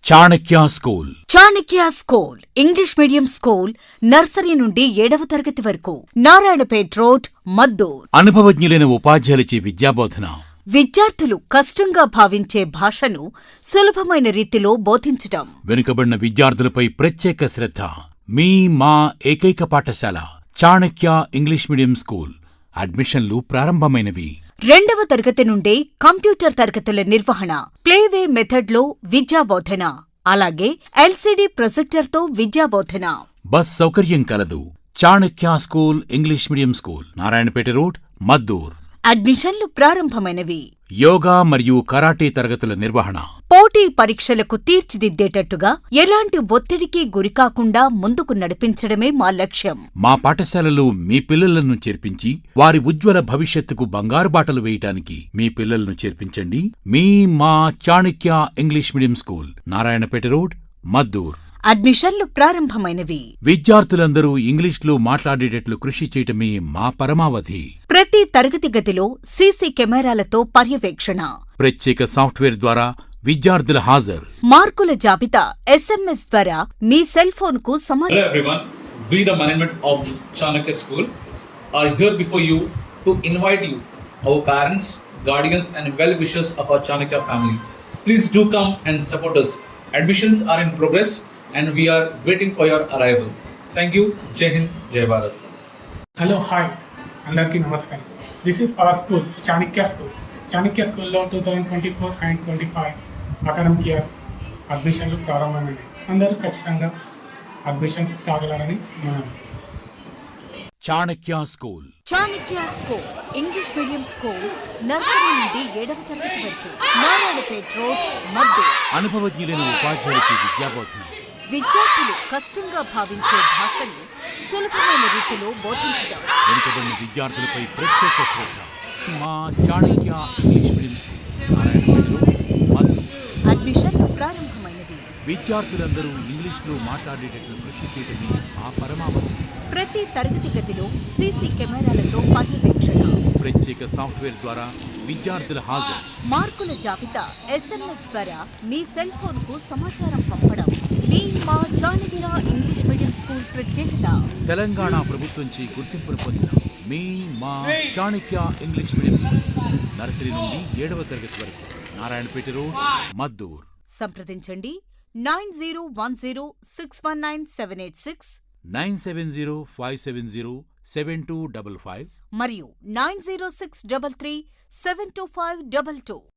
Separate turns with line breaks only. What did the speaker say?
Chanakya school.
Chanakya school English medium school nursery నుండి 7వ తరగతి వరకు. నారాయణపేట్ రోడ్, మద్దూర్.
అనుభవజ్ఞులైన ఉపాధ్యాయులచే విద్యాబోధన.
విద్యార్థులు కష్టంగా భావించే భాషను సులభమైన రీతిలో బోధించటం.
వెనుకబడిన విద్యార్థులపై ప్రత్యేక శ్రద్ధ. మీ మా ఏకైక పాఠశాల చాణక్య ఇంగ్లీష్ మీడియం స్కూల్. అడ్మిషన్లు ప్రారంభమైనవి.
2వ తరగతి నుండే కంప్యూటర్ తరగతుల నిర్వహణ, ప్లేవే మెథడ్లో విద్యాబోధన, అలాగే ఎల్సీడీ ప్రొజెక్టర్తో విద్యాబోధన.
బస్ సౌకర్యం కలదు. Chanakya school English medium school, Narayanpet road, Maddur.
అడ్మిషన్లు ప్రారంభమైనవి.
యోగా మరియు కరాటే తరగతుల నిర్వహణ.
పోటీ పరీక్షలకు తీర్చిదిద్దేటట్టుగా ఎలాంటి ఒత్తిడికి గురికాకుండా ముందుకు నడిపించడమే మా లక్ష్యం.
మా పాఠశాలలో మీ పిల్లలను చేర్పించి వారి ఉజ్వల భవిష్యత్తుకు బంగారు బాటలు వేయటానికి మీ పిల్లలను చేర్పించండి. మీ మా Chanakya English medium school, Narayanpet road, Maddur.
అడ్మిషన్లు ప్రారంభమైనవి.
విద్యార్థులందరూ ఇంగ్లీష్లో మాట్లాడేటట్లు కృషి చేయటమే మా పరమావధి.
ప్రతి తరగతి గదిలో సీసీ కెమెరాలతో పర్యవేక్షణ.
ప్రత్యేక సాఫ్ట్వేర్ ద్వారా విద్యార్థుల హాజరు.
మార్కుల జాబితా SMS ద్వారా మీ సెల్ ఫోన్ కు
Hello everyone, we the management of Chanakya School are here before you to invite you, our parents, guardians and well-wishers of our Chanakya family. Please do come and support us. Admissions are in progress and we are waiting for your arrival. Thank you. Jai Hind, Jai Bharat.
Hello hi అందరికీ నమస్కారం. This is our school Chanakya school. Chanakya స్కూల్లో 2024 and 25 academic year అడ్మిషన్లు ప్రారంభమైనాయి. అందరూ ఖచ్చితంగా admissions తాగలారని మనం.
Chanakya school.
Chanakya school English medium school nursery నుండి 7వ తరగతి వరకు. నారాయణపేట్ రోడ్, మద్దూర్.
అనుభవజ్ఞులైన ఉపాధ్యాయులచే విద్యాబోధన.
విద్యార్థులు కష్టంగా భావించే భాషను సులభమైన రీతిలో బోధించడం.
వెనుకబడిన విద్యార్థులపై ప్రత్యేక శ్రద్ధ. మా Chanakya English medium school, Narayanpet road, Maddur.
అడ్మిషన్లు ప్రారంభమైనవి.
విద్యార్థులందరూ ఇంగ్లీష్లో మాట్లాడేటట్లు కృషి చేయటమే మా పరమావధి.
ప్రతి తరగతి గదిలో సీసీ కెమెరాలతో పర్యవేక్షణ.
ప్రత్యేక సాఫ్ట్వేర్ ద్వారా విద్యార్థుల హాజరు.
మార్కుల జాబితా SMS ద్వారా మీ సెల్ ఫోన్ కు సమాచారం పంపడం మీ మా చాణక్య ఇంగ్లీష్ మీడియం స్కూల్ ప్రత్యేకత.
తెలంగాణ ప్రభుత్వంచే గుర్తింపును పొందిన మీ మా Chanakya English medium school nursery నుండి 7వ తరగతి వరకు. నారాయణపేట రోడ్, మద్దూర్.
సంప్రదించండి 9010619786
9705707255
మరియు 9063372522.